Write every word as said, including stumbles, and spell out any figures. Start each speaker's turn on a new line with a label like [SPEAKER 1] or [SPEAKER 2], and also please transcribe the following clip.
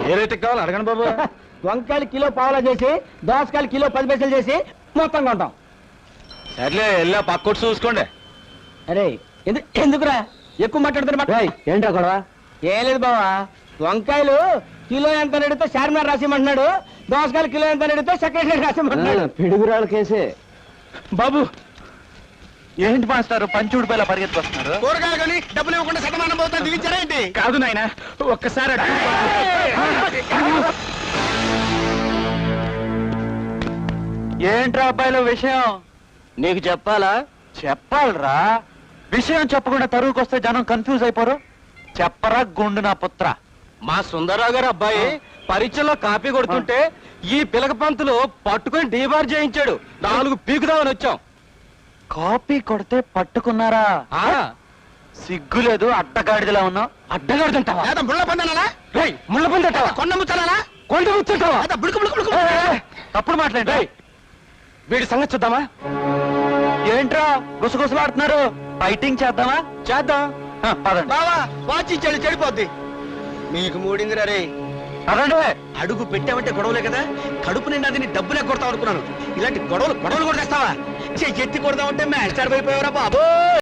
[SPEAKER 1] ఏ rate కావాలి అడగండి బాబు.
[SPEAKER 2] వంకాయలు కిలో పావులా చేసి దోసకాయలు కిలో పది పైసలు చేసి మొత్తం కొంటాం.
[SPEAKER 1] సర్లే వెళ్ళా పక్కొట్టు చూసుకోండి.
[SPEAKER 2] అరే ఎందు ఎందుకురా ఎక్కువ మాట్లాడుతున్నా?
[SPEAKER 3] ఏంటో గొడవ?
[SPEAKER 2] ఏం లేదు బావా, వంకాయలు కిలో ఎంత అడిగితే చార్మినార్ రాసిమంటున్నాడు, దోసకాయలు కిలో ఎంత అడిగితే సెక్రటరీ రాసిమంటున్నాడు.
[SPEAKER 3] పిడుగురాళ్ళ కేసే
[SPEAKER 1] బాబు ఏంటి మాస్టారు పంచుడిపైలా పరిగెత్తుకొస్తున్నారు?
[SPEAKER 2] కూరగాయలు కొని డబ్బులు ఇవ్వకుండా శతమానం పోతాను దిగించారా ఏంటి?
[SPEAKER 1] కాదు నాయన, ఒక్కసారి అటు. ఏంట్రా అబ్బాయిలో విషయం?
[SPEAKER 3] నీకు చెప్పాలా?
[SPEAKER 1] చెప్పాలరా. విషయం చెప్పకుండా తరువుకొస్తే జనం కన్ఫ్యూజ్ అయిపోరు. చెప్పరా గుండు నా పుత్ర.
[SPEAKER 2] మా సుందరరావు గారు అబ్బాయి పరీక్షలో కాపీ కొడుతుంటే ఈ పిలక పంతులు పట్టుకొని డీబార్ చేయించాడు. నాలుగు పీకుదామని వచ్చాం.
[SPEAKER 1] కాపీ కొడితే పట్టుకున్నారా? సిగ్గులేదు, అడ్డగాడిదలా ఉన్నావు.
[SPEAKER 2] అడ్డగాడుతుంటావా? ముళ్ళ పందనాలా? ముళ్ళ పందంటావా? కొండ ముచ్చాలా? కొండ ముచ్చుంటావా?
[SPEAKER 1] తప్పుడు మాట్లాడి.
[SPEAKER 2] వీడి సంగతి చూద్దామా?
[SPEAKER 1] ఏంట్రా గుసగుసలాడుతున్నారు? ఫైటింగ్ చేద్దామా?
[SPEAKER 2] చేద్దాం.
[SPEAKER 1] ఆ, పదండి.
[SPEAKER 2] బావా వాచి చెడు చెడిపోద్ది. మీకు మూడిందిరా రే.
[SPEAKER 1] పదండి.
[SPEAKER 2] అడుగు పెట్టామంటే గొడవలే కదా, కడుపు నిండా తిని డబ్బులు ఎగ్గొడతాం అనుకున్నాను. ఇలాంటి గొడవలు గొడవలు కూడా తెస్తావా? ఎత్తి కొడదామంటే మ్యాచ్ అయిపోయావరా బాబు.